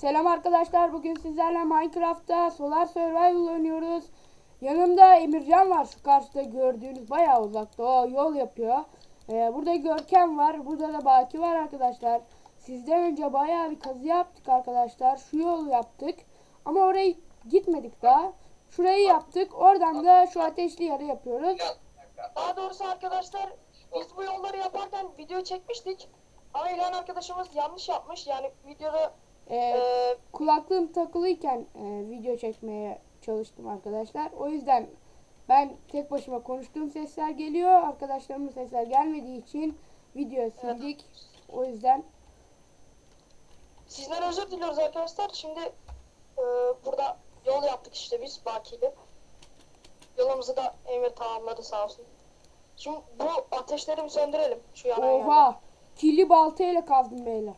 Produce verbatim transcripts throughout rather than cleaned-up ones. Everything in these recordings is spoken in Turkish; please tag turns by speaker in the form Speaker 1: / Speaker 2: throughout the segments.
Speaker 1: Selam arkadaşlar. Bugün sizlerle Minecraft'ta Solar Survival oynuyoruz. Yanımda Emircan var. Şu karşıda gördüğünüz bayağı uzakta. O yol yapıyor. Ee, burada Görkem var. Burada da Baki var arkadaşlar. Sizden önce bayağı bir kazı yaptık arkadaşlar. Şu yolu yaptık. Ama oraya gitmedik daha. Şurayı yaptık. Oradan da şu ateşli yeri yapıyoruz.
Speaker 2: Daha doğrusu arkadaşlar biz bu yolları yaparken video çekmiştik. Ama İlhan arkadaşımız yanlış yapmış. Yani videoda
Speaker 1: Ee,
Speaker 2: e,
Speaker 1: kulaklığım takılıyken e, video çekmeye çalıştım arkadaşlar. O yüzden ben tek başıma konuştuğum sesler geliyor. Arkadaşlarımın sesler gelmediği için video sildik. O yüzden
Speaker 2: sizden özür diliyoruz arkadaşlar. Şimdi e, burada yol yaptık işte biz Baki'yle. Yolumuzu da Emir tamamladı sağ olsun. Şimdi bu ateşleri bir söndürelim. Şu yana yana.
Speaker 1: oha, kirli baltayla kazdım beyler.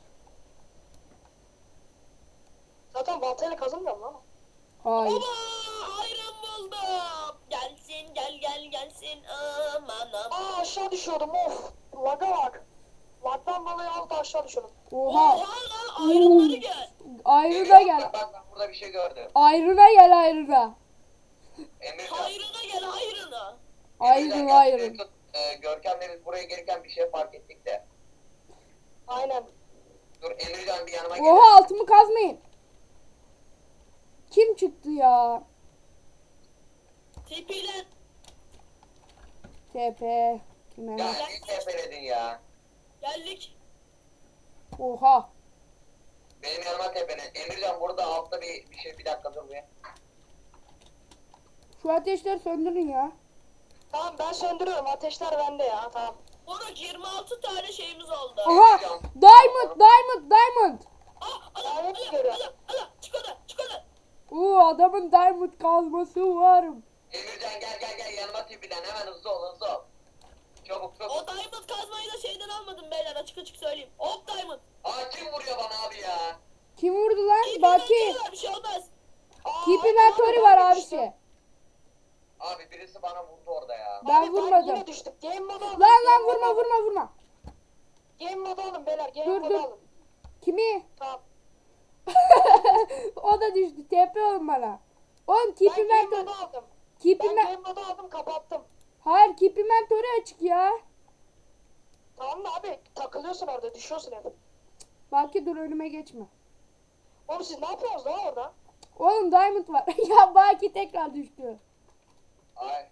Speaker 2: Zaten baltayla kazınmıyor mu lan?
Speaker 1: Hayır.
Speaker 3: Baba ayran buldum. Gelsin gel gel gelsin aman aman.
Speaker 2: Aa aşağı düşüyordum of. Laga bak. Lagdan dolayı az da aşağı düşüyordum.
Speaker 1: Oha.
Speaker 3: Oha lan ayranları gel.
Speaker 1: Ayrına gel.
Speaker 4: Bak bak bak burada bir şey gördüm.
Speaker 1: Ayrına gel ayrına.
Speaker 4: Emircan.
Speaker 3: Hayrına gel hayrına.
Speaker 1: Ayrın
Speaker 4: Emircan, gel,
Speaker 1: ayrın.
Speaker 4: tut. Ee, Görkem'le biz buraya gelirken bir şey fark ettik de.
Speaker 2: Aynen.
Speaker 4: Dur Emircan bir yanıma gel.
Speaker 1: Oha, altımı kazmayın. Kim çıktı ya?
Speaker 3: Tepilen.
Speaker 1: T P. Kime?
Speaker 4: Ya ne tepeledin ya?
Speaker 3: Geldik.
Speaker 1: Oha.
Speaker 4: Benim yanıma tepele. Emircan burada altta bir, bir şey bir dakika dur bir.
Speaker 1: Şu ateşleri söndürün ya.
Speaker 2: Tamam ben söndürüyorum. Ateşler bende ya. Tamam.
Speaker 3: Moruk yirmi altı tane şeyimiz oldu.
Speaker 1: Aha. Diamond, diamond, diamond.
Speaker 3: Ah ala
Speaker 2: Lanet
Speaker 3: ala
Speaker 2: görüyor.
Speaker 3: ala ala çık oradan çık oradan.
Speaker 1: Oo, adamın diamond kazması var.
Speaker 4: Emircan gel gel gel yanıma tepelen hemen hızlı ol hızlı ol. Çabuk
Speaker 3: O
Speaker 4: çabuk.
Speaker 3: diamond kazmayı da şeyden almadım beyler açık açık söyleyeyim. Hop diamond.
Speaker 4: Aa kim vuruyor bana abi ya?
Speaker 1: Kim vurdu lan?
Speaker 3: İyi
Speaker 1: Baki.
Speaker 3: bir şey olmaz.
Speaker 2: Aa,
Speaker 1: Keep
Speaker 2: aynen
Speaker 1: inventory
Speaker 2: abi,
Speaker 1: var
Speaker 2: ben de düştüm.
Speaker 1: abisi.
Speaker 4: Abi birisi bana vurdu orada ya.
Speaker 1: Ben
Speaker 2: Abi,
Speaker 1: vurmadım.
Speaker 2: yine düştük. Game modu alın.
Speaker 1: Lan lan
Speaker 2: game modu
Speaker 1: vurma
Speaker 2: alın.
Speaker 1: vurma vurma.
Speaker 2: Game modu alın beyler. Game
Speaker 1: Dur,
Speaker 2: modu
Speaker 1: dur.
Speaker 2: alın.
Speaker 1: Kimi?
Speaker 2: Tamam.
Speaker 1: O da düştü. T P olun bana. Oğlum keep
Speaker 2: Ben game
Speaker 1: inventory.
Speaker 2: modu aldım.
Speaker 1: Keep
Speaker 2: Ben
Speaker 1: inven-
Speaker 2: game modu aldım kapattım.
Speaker 1: Hayır, keep inventory açık ya.
Speaker 2: Tamam mı abi? Takılıyorsun orada. Düşüyorsun hep.
Speaker 1: Baki dur, önüme geçme.
Speaker 2: Oğlum siz ne yapıyorsunuz lan orada?
Speaker 1: Oğlum diamond var. Ya Baki tekrar düştü.
Speaker 4: Ay.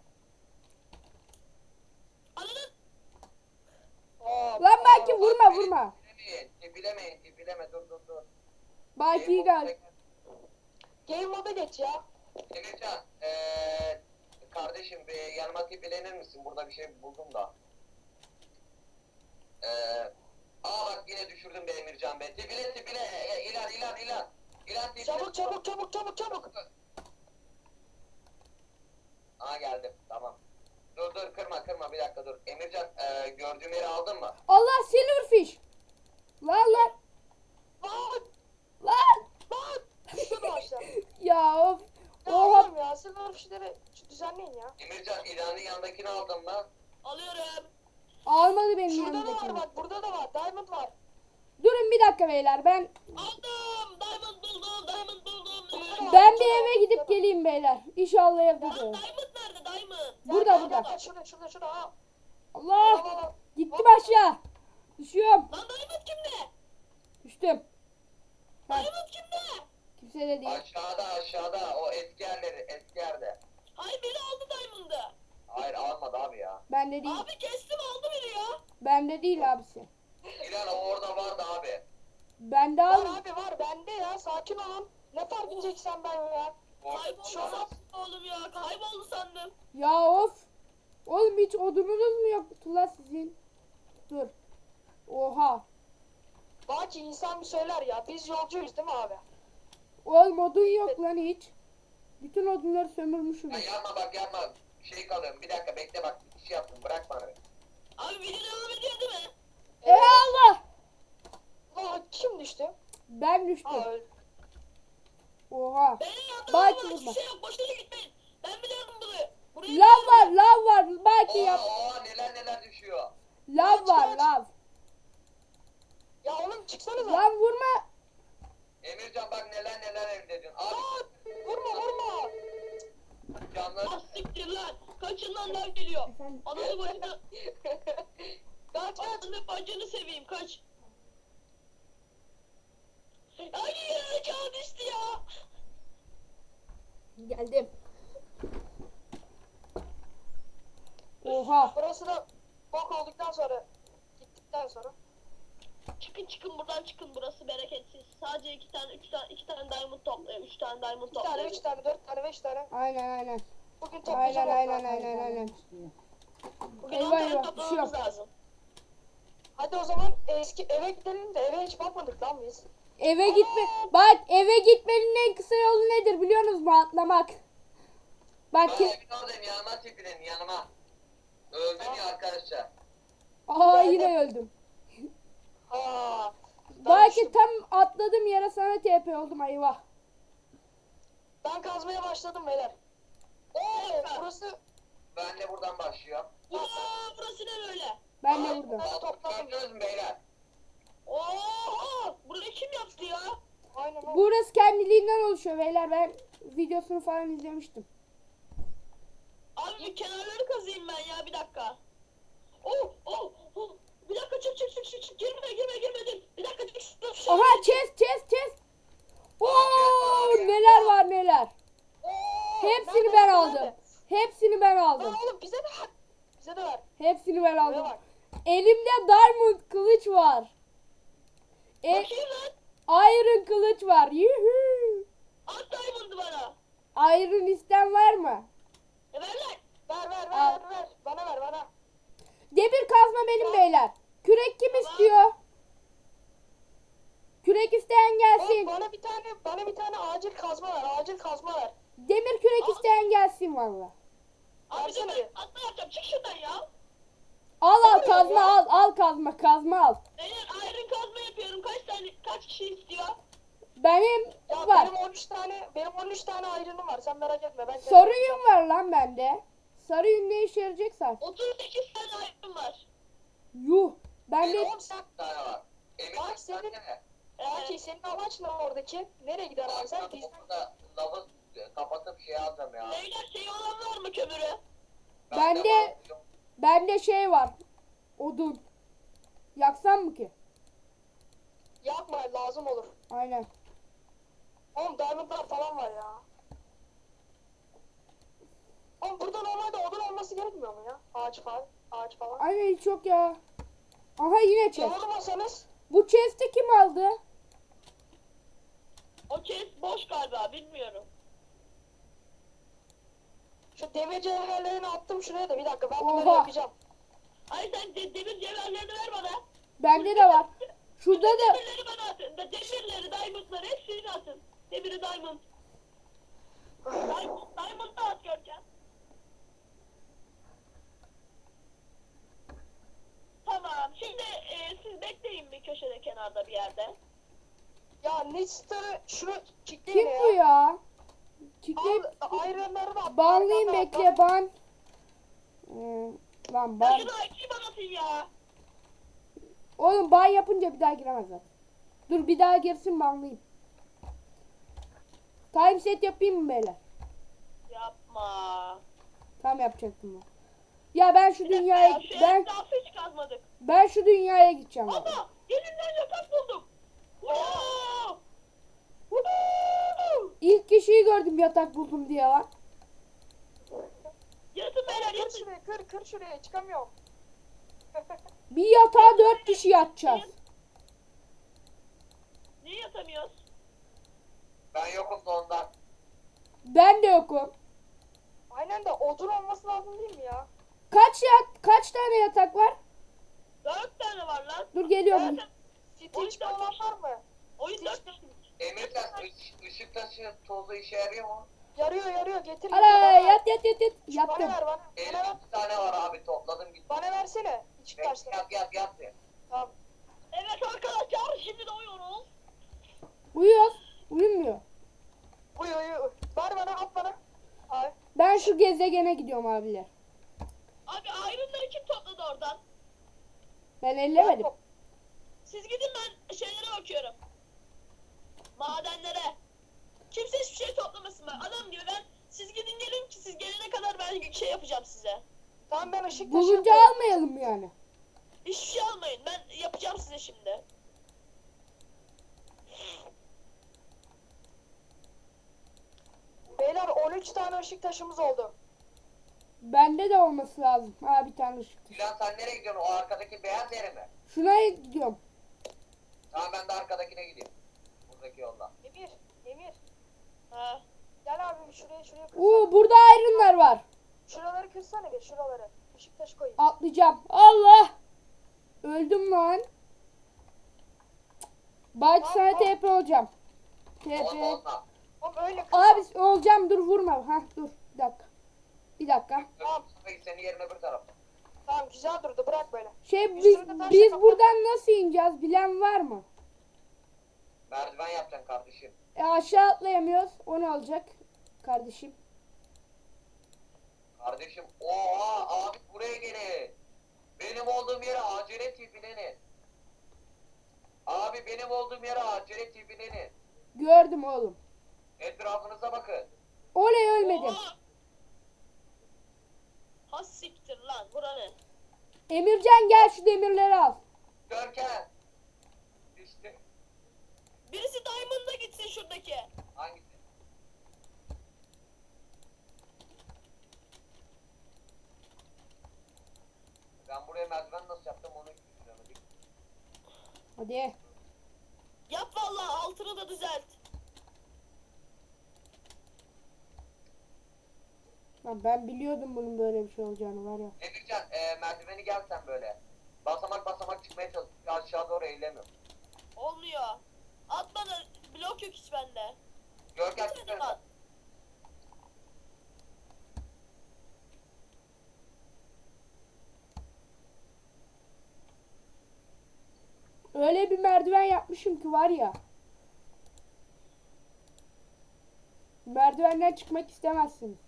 Speaker 3: Anladın?
Speaker 2: Aa,
Speaker 1: Lan Baki
Speaker 2: aa,
Speaker 1: vurma vurma.
Speaker 4: Tepilemeyin tepilemeyin tepileme dur dur dur.
Speaker 1: Baki'yi gel.
Speaker 2: Game moda geç ya.
Speaker 4: Emircan eee kardeşim bir yanıma tepelenir misin? Burada bir şey buldum da. Eee aa bak yine düşürdüm be Emircan be. Tepile tepile e, ilan ilan ilan. İlan tepile.
Speaker 2: Çabuk çabuk çabuk çabuk çabuk.
Speaker 4: Aa geldim tamam. Dur dur kırma kırma bir dakika dur. Emircan eee gördüğüm yeri aldın mı?
Speaker 1: Allah, silverfish. Lan lan
Speaker 2: Lan
Speaker 1: lan.
Speaker 2: lan. Düştü başla.
Speaker 1: Ya of.
Speaker 2: Ya
Speaker 1: Oha.
Speaker 2: oğlum ya silver fişleri düzenleyin ya.
Speaker 4: Emircan ilanın yanındakini aldın mı?
Speaker 3: Alıyorum.
Speaker 1: Almadı benim
Speaker 2: Şurada da var
Speaker 1: yanımdakini.
Speaker 2: bak burada da var. Diamond var.
Speaker 1: Durun bir dakika beyler, ben
Speaker 3: Aldım. Diamond buldum. Diamond buldum.
Speaker 2: Burada da var,
Speaker 1: ben
Speaker 2: burada
Speaker 1: bir
Speaker 2: da var,
Speaker 1: eve gidip
Speaker 2: burada da var.
Speaker 1: geleyim beyler. İnşallah evde
Speaker 3: Lan
Speaker 1: de.
Speaker 3: diamond nerede diamond?
Speaker 1: Burada,
Speaker 2: Gel,
Speaker 1: burada.
Speaker 2: gel, gel, Şurada şurada şurada. Aa,
Speaker 1: Allah,
Speaker 2: al, al, al.
Speaker 1: gittim aşağı. Düşüyorum.
Speaker 3: Lan diamond kimde?
Speaker 1: Düştüm. Ha,
Speaker 3: Diamond kimde?
Speaker 1: kimse de değil.
Speaker 4: Aşağıda aşağıda o eski yerleri eski yerde.
Speaker 3: Hayır biri aldı diamond'ı.
Speaker 4: Hayır almadı abi ya.
Speaker 1: Bende değil.
Speaker 3: Abi kestim aldı biri ya.
Speaker 1: Bende değil abisi.
Speaker 4: İlan o orada vardı abi.
Speaker 1: Bende
Speaker 2: Var
Speaker 1: al.
Speaker 2: abi var bende ya sakin olun. Ne fark edeceksen ben ya.
Speaker 3: Kayboldu
Speaker 2: Şu an-
Speaker 3: sandım oğlum ya. Kayboldu sandım.
Speaker 1: Ya of. Oğlum hiç odununuz mu yoktu lan sizin? Dur. Oha.
Speaker 2: Baki insan bir söyler ya. Biz yolcuyuz değil mi abi?
Speaker 1: Oğlum odun yok lan hiç. Bütün odunları sömürmüşüm.
Speaker 4: Ya yapma bak yapma. Şey kalıyorum bir dakika bekle bak bir şey yaptım bırak bana.
Speaker 3: Abi video devam ediyor değil mi?
Speaker 1: Ey Allah.
Speaker 2: Aa, kim düştü?
Speaker 1: Ben düştüm.
Speaker 2: Aa öldü.
Speaker 1: Oha.
Speaker 3: Benim yanımda
Speaker 1: Bak
Speaker 3: var.
Speaker 1: vurma.
Speaker 3: Hiçbir şey yok. Boşuna gitmeyin. Ben biliyorum bunu. Buraya
Speaker 1: Lav var, lav var. Belki
Speaker 4: Oo,
Speaker 1: yap.
Speaker 4: oo neler neler düşüyor.
Speaker 1: Lav var,
Speaker 2: Kaç, kaç.
Speaker 1: lav.
Speaker 2: Ya oğlum çıksanıza.
Speaker 1: Lan vurma.
Speaker 4: Emircan bak
Speaker 3: Lan lan geliyor.
Speaker 1: Efendim?
Speaker 3: Ananı bacını.
Speaker 2: Kaç kaç.
Speaker 3: Ananı bacını seveyim kaç. Hayır can düştü ya.
Speaker 1: Geldim. Oha.
Speaker 2: Burası da bok olduktan sonra gittikten sonra.
Speaker 3: Çıkın çıkın buradan çıkın, burası bereketsiz. Sadece iki tane üç tane iki tane diamond toplayın. Üç tane diamond
Speaker 2: Bir tane,
Speaker 3: toplayın.
Speaker 2: üç tane, dört tane, beş tane.
Speaker 1: Aynen aynen.
Speaker 2: Bugün
Speaker 1: Aynen
Speaker 2: toplayacağım.
Speaker 1: aynen aynen aynen.
Speaker 3: Bugün
Speaker 1: Eyvah,
Speaker 3: on tane
Speaker 1: eyvah,
Speaker 3: toplamamız
Speaker 1: düşüyor.
Speaker 3: lazım.
Speaker 2: Hadi o zaman eski eve gidelim de eve hiç bakmadık lan biz.
Speaker 1: Eve gitme. Bak eve gitmenin en kısa yolu nedir biliyor musunuz mu? Atlamak. Bak
Speaker 4: Ben
Speaker 1: ki.
Speaker 4: evin oradayım, yanıma tepinin, yanıma. Öldüm ya arkadaşlar.
Speaker 1: Aa
Speaker 2: Geldim.
Speaker 1: yine öldüm.
Speaker 2: Ha.
Speaker 1: Bak
Speaker 2: düştüm.
Speaker 1: ki tam atladım yere sana T P oldum eyvah.
Speaker 2: Ben kazmaya başladım beyler. Oo, burası
Speaker 4: Ben de buradan başlıyorum.
Speaker 3: Uaa burası ne böyle?
Speaker 1: Ben de
Speaker 2: Ay,
Speaker 1: burada.
Speaker 2: ben topladım.
Speaker 4: Gördünüz mü beyler?
Speaker 3: Oha! Burayı kim yaptı ya?
Speaker 2: Aynen o.
Speaker 1: Burası kendiliğinden oluşuyor beyler. Ben videosunu falan izlemiştim.
Speaker 3: Abi bir kenarları kazıyım ben ya, bir dakika. Oh oh oh. Bir dakika çık çık çık çık çık. Girme girme girme dur. Bir dakika çık çık çık.
Speaker 1: Aha chest chest chest. Oo neler var neler.
Speaker 2: Oo,
Speaker 1: Hepsini
Speaker 2: nerede,
Speaker 1: ben
Speaker 2: nerede?
Speaker 1: aldım. Hepsini ben
Speaker 2: Lan
Speaker 1: aldım.
Speaker 2: oğlum bize de ver. Bize de ver.
Speaker 1: Hepsini ben
Speaker 2: Buraya
Speaker 1: aldım.
Speaker 2: bak.
Speaker 1: Elimde diamond kılıç var. E,
Speaker 3: Bakayım lan.
Speaker 1: iron kılıç var. Yuhu.
Speaker 3: At diamond'ı bana.
Speaker 1: Iron isten var mı?
Speaker 3: E ver lan.
Speaker 2: Ver ver
Speaker 1: Al.
Speaker 2: ver ver ver. Bana ver bana.
Speaker 1: Demir kazma benim beyler. Kürek kim
Speaker 3: Tamam.
Speaker 1: istiyor? Kürek isteyen
Speaker 2: Oğlum
Speaker 1: gelsin.
Speaker 2: bana bir tane bana bir tane acil kazma ver. Acil kazma ver.
Speaker 1: Demir kürek
Speaker 3: Al.
Speaker 1: isteyen gelsin valla.
Speaker 3: Abi dur
Speaker 2: Versene
Speaker 3: ben
Speaker 2: bir.
Speaker 3: atma yapacağım. Çık şuradan ya.
Speaker 1: Al al
Speaker 2: oluyor
Speaker 1: kazma
Speaker 2: ya?
Speaker 1: al al kazma kazma al.
Speaker 3: Beyler iron kazma yapıyorum. Kaç tane kaç kişi istiyor?
Speaker 1: Benim
Speaker 2: Ya
Speaker 1: var.
Speaker 2: benim on üç tane benim on üç tane ayrınım var. Sen merak etme. Ben
Speaker 1: Sarı yün var lan bende. Sarı yün ne işe yarayacak sen?
Speaker 3: otuz sekiz tane iron var.
Speaker 1: Yuh. Bende
Speaker 4: Benim
Speaker 2: Oğlum sen
Speaker 4: bir tane var. Emin
Speaker 2: Bak
Speaker 4: misin
Speaker 2: senin-
Speaker 4: ne?
Speaker 2: Belki
Speaker 3: Ee,
Speaker 2: senin amaç ne oradaki? Nereye gider abi sen? Biz...
Speaker 4: Burada lavı kapatıp şey alacağım ya.
Speaker 3: beyler şey olan var mı kömürü?
Speaker 1: Ben de-
Speaker 4: var.
Speaker 1: bende şey var. Odun. Yaksam mı ki?
Speaker 2: Yapma lazım olur.
Speaker 1: Aynen.
Speaker 2: Oğlum diamondlar falan var ya. Oğlum burada normalde odun olması gerekmiyor mu ya? Ağaç falan. Ağaç falan.
Speaker 1: Aynen hiç yok ya. Aha yine chest.
Speaker 2: Yolmasanız
Speaker 1: Bu chest'i kim aldı?
Speaker 3: O chest boş galiba, bilmiyorum.
Speaker 2: şu demir cevherlerini attım şuraya da bir dakika ben bunları
Speaker 1: Oha.
Speaker 2: yapacağım.
Speaker 3: Ay sen de, demir cevherlerini ver bana.
Speaker 1: Bende de var. Şurada da
Speaker 3: Demirleri bana atın. Da- Demirleri, diamondları hepsini atın. Demiri diamond. Diamond, diamond da at Görkem. Tamam. Şimdi e, siz bekleyin bir köşede, kenarda bir yerde.
Speaker 2: Ya Nitster'ı şunu kickleyin
Speaker 1: kim
Speaker 2: ya.
Speaker 1: bu ya? Kitle
Speaker 2: Al ironları da at.
Speaker 1: banlayayım
Speaker 2: arkamda at,
Speaker 1: bekle ban. Ee, lan
Speaker 3: Ya
Speaker 1: ban.
Speaker 3: şunu açayım anasın ya.
Speaker 1: Oğlum ban yapınca bir daha giremezler. Dur bir daha girsin banlayayım. Time set yapayım mı beyler?
Speaker 3: Yapma.
Speaker 1: Tam yapacaktım ben. Ya ben şu
Speaker 3: Bir dakika
Speaker 1: dünyaya
Speaker 3: ya, şu
Speaker 1: ben
Speaker 3: etrafı hiç kazmadık.
Speaker 1: ben şu dünyaya gideceğim abi.
Speaker 3: Ama elinden yatak buldum. Wow! Woo!
Speaker 1: İlk kişiyi gördüm yatak buldum diye lan.
Speaker 3: Yatın beyler
Speaker 2: Kır
Speaker 3: yatın.
Speaker 2: şuraya kır kır şuraya çıkamıyorum.
Speaker 1: Bir yatağa dört kişi yatacağız.
Speaker 3: Niye yatamıyoruz?
Speaker 4: Ben yokum da ondan.
Speaker 1: Ben de yokum.
Speaker 2: Aynen de odun olması lazım değil mi ya?
Speaker 1: Kaç yat kaç tane yatak var?
Speaker 3: Dört tane var lan.
Speaker 1: Dur geliyorum.
Speaker 3: Zaten
Speaker 2: Stitch falan var mı?
Speaker 3: oyun dört kişi.
Speaker 4: Emircan ış- ışık taşı tozu işe yarıyor mu?
Speaker 2: Yarıyor yarıyor getir getir.
Speaker 1: Ala
Speaker 2: bana ver.
Speaker 1: yat yat yat yat.
Speaker 2: Bana
Speaker 1: Yattım.
Speaker 2: ver bana.
Speaker 4: Benim
Speaker 2: Bana ver.
Speaker 4: iki tane var abi, topladım gitti.
Speaker 2: Bana versene. Çık
Speaker 4: Yat
Speaker 2: taşla.
Speaker 4: yat yat yat. diye.
Speaker 2: Tamam.
Speaker 3: Evet arkadaşlar, şimdi de uyuyoruz.
Speaker 1: Uyuyoruz. Uyumuyor.
Speaker 2: Uy uy uy. Ver bana at bana. Ay.
Speaker 1: Ben şu gezegene gidiyorum abiler.
Speaker 3: Abi ayrımları kim topladı oradan?
Speaker 1: Ben ellemedim.
Speaker 3: Siz gidin, ben şeylere bakıyorum. Madenlere. Kimse hiçbir şey toplamasın ben. Adam gibi ben, siz gidin gelin ki siz gelene kadar ben şey yapacağım size.
Speaker 2: Tamam ben ışık taşı
Speaker 1: Bulunca
Speaker 2: yapıyorum.
Speaker 1: almayalım yani.
Speaker 3: Hiçbir şey almayın. Ben yapacağım size şimdi.
Speaker 2: Beyler on üç tane ışık taşımız oldu.
Speaker 1: Bende de olması lazım. Ha bir tane ışık taşı.
Speaker 4: Dilan sen nereye gidiyorsun? O arkadaki beyaz yere mi?
Speaker 1: Şuna gidiyorum.
Speaker 4: Tamam ben de arkadakine gideyim. Buradaki yolda.
Speaker 2: Emir, Emir.
Speaker 3: Ha.
Speaker 2: Gel abi şuraya şuraya kır.
Speaker 1: Oo burada ironlar var.
Speaker 2: Şuraları kırsana bir şuraları. Işık taşı koyayım.
Speaker 1: Atlayacağım. Allah! Öldüm lan. Belki sana T P olacağım. T
Speaker 4: Olma
Speaker 1: P.
Speaker 4: olma.
Speaker 2: Oğlum öyle kır.
Speaker 1: Abi olacağım, dur vurma. Ha dur bir dakika. Bir dakika.
Speaker 2: Tamam.
Speaker 4: Öbür senin yerin öbür tarafta.
Speaker 2: Tamam güzel durdu bırak böyle.
Speaker 1: Şey
Speaker 2: Bir
Speaker 1: biz,
Speaker 2: sürü de taş
Speaker 1: biz
Speaker 2: yapalım.
Speaker 1: buradan nasıl ineceğiz bilen var mı?
Speaker 4: Merdiven yapacaksın kardeşim.
Speaker 1: E aşağı atlayamıyoruz. O ne olacak kardeşim?
Speaker 4: Kardeşim oha abi buraya gelin. Benim olduğum yere acele tipilenin. Abi benim olduğum yere acele tipilenin.
Speaker 1: Gördüm oğlum.
Speaker 4: Etrafınıza bakın.
Speaker 1: Oley ölmedim.
Speaker 3: Oha! Ha siktir lan. Bura ne?
Speaker 1: Emircan gel şu demirleri al.
Speaker 4: Görkem. İşte
Speaker 3: Birisi Diamond'a gitsin şuradaki.
Speaker 4: hangisi? Ben buraya merdiven nasıl yaptım onu hiç düşünemedim.
Speaker 1: Hadi.
Speaker 3: Yap vallahi altını da düzelt.
Speaker 1: Lan ben biliyordum bunun böyle bir şey olacağını var ya.
Speaker 4: Emircan e, merdiveni gel sen böyle. Basamak basamak çıkmaya çalış. Aşağı doğru eğilemiyorum.
Speaker 3: Olmuyor. At bana. Blok yok hiç bende.
Speaker 4: Görkem
Speaker 3: Bir tane
Speaker 4: çıkar.
Speaker 3: at.
Speaker 1: Öyle bir merdiven yapmışım ki var ya. Merdivenden çıkmak istemezsiniz.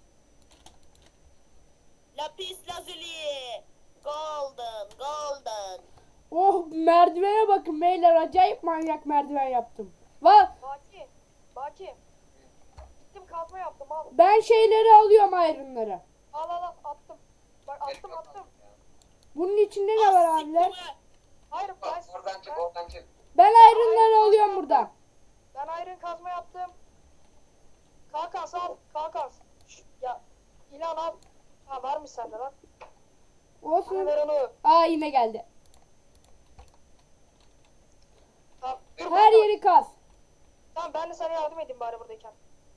Speaker 3: Lapis lazuli. Golden. Golden.
Speaker 1: Oh merdivene bakın beyler, acayip manyak merdiven yaptım. Va
Speaker 2: Baki. Baki. Gittim kazma yaptım al.
Speaker 1: ben şeyleri alıyorum ironları.
Speaker 2: Al al al attım. Bak attım
Speaker 4: Gerek yok
Speaker 2: attım.
Speaker 4: ya.
Speaker 1: Bunun içinde ne var
Speaker 3: Ah,
Speaker 1: abiler?
Speaker 3: siktir be.
Speaker 2: Hayır ben,
Speaker 4: Bak oradan çık
Speaker 2: ben,
Speaker 4: oradan çık.
Speaker 1: Ben ironları alıyorum buradan.
Speaker 2: ben iron kazma yaptım. Kalkas al. Kalkas. Şş, ya ilan al. Ha varmış sende lan. Bana
Speaker 1: Olsun.
Speaker 2: ver onu.
Speaker 1: Aa yine geldi.
Speaker 2: Tamam. Dur,
Speaker 1: Her
Speaker 2: ben de-
Speaker 1: yeri kaz.
Speaker 2: Tamam ben de sana yardım edeyim bari buradayken.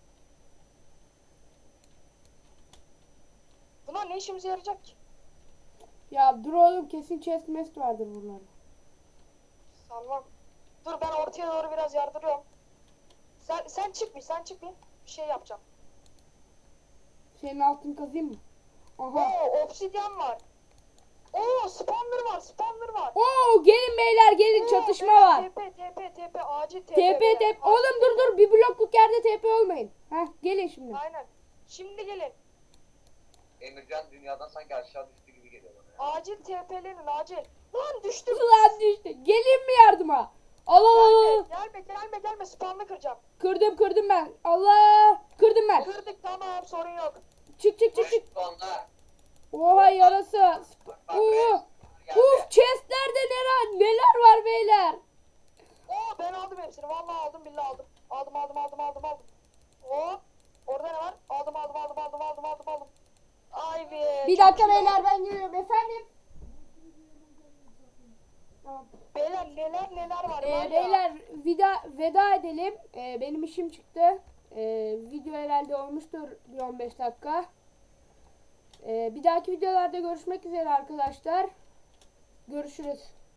Speaker 2: Bunlar ne işimize yarayacak ki?
Speaker 1: Ya dur oğlum, kesin chest mest vardır bunlarda.
Speaker 2: Sanmam. Dur ben ortaya doğru biraz yardırıyorum. Sen sen çık bir sen çık bir. Bir şey yapacağım.
Speaker 1: Senin altın kazayım mı? Aha.
Speaker 2: Oo obsidyen var. Oo spawner var spawner var.
Speaker 1: Oo gelin beyler gelin,
Speaker 2: Oo,
Speaker 1: çatışma
Speaker 2: beyler,
Speaker 1: var.
Speaker 2: T P T P T P acil T P.
Speaker 1: T P
Speaker 2: beyler,
Speaker 1: T P.
Speaker 2: acil
Speaker 1: Oğlum dur dur, bir blokluk yerde T P olmayın. Heh gelin şimdi.
Speaker 2: Aynen. Şimdi gelin.
Speaker 4: Emircan dünyadan sanki aşağı düştü gibi geliyor bana ya.
Speaker 2: Acil T P'lenin acil. Lan düştüm.
Speaker 1: Ulan düştü. Gelin mi yardıma? Al al al, al.
Speaker 2: Gelme gelme gelme gelme spawn'ı kıracağım.
Speaker 1: Kırdım kırdım ben. Allah. Kırdım ben.
Speaker 2: Kırdık tamam sorun yok.
Speaker 1: Çık çık çık çık.
Speaker 4: Onlar.
Speaker 1: Oha yarası.
Speaker 4: Bak
Speaker 1: Oo.
Speaker 4: resmen geldi.
Speaker 1: Uf chestlerde neler neler var beyler.
Speaker 2: Oo ben aldım hepsini. Vallahi aldım billahi aldım. Aldım aldım aldım aldım aldım. Oo. Orada ne var? Aldım aldım aldım aldım aldım aldım aldım. Ay be.
Speaker 1: Bir
Speaker 2: çok
Speaker 1: dakika
Speaker 2: iyi.
Speaker 1: beyler, ben geliyorum efendim. Tamam.
Speaker 2: Beyler neler neler var.
Speaker 1: Ee,
Speaker 2: var ya.
Speaker 1: beyler vida, veda edelim. Ee, benim işim çıktı. Ee, video herhalde olmuştur bir on beş dakika. Ee, bir dahaki videolarda görüşmek üzere arkadaşlar. Görüşürüz.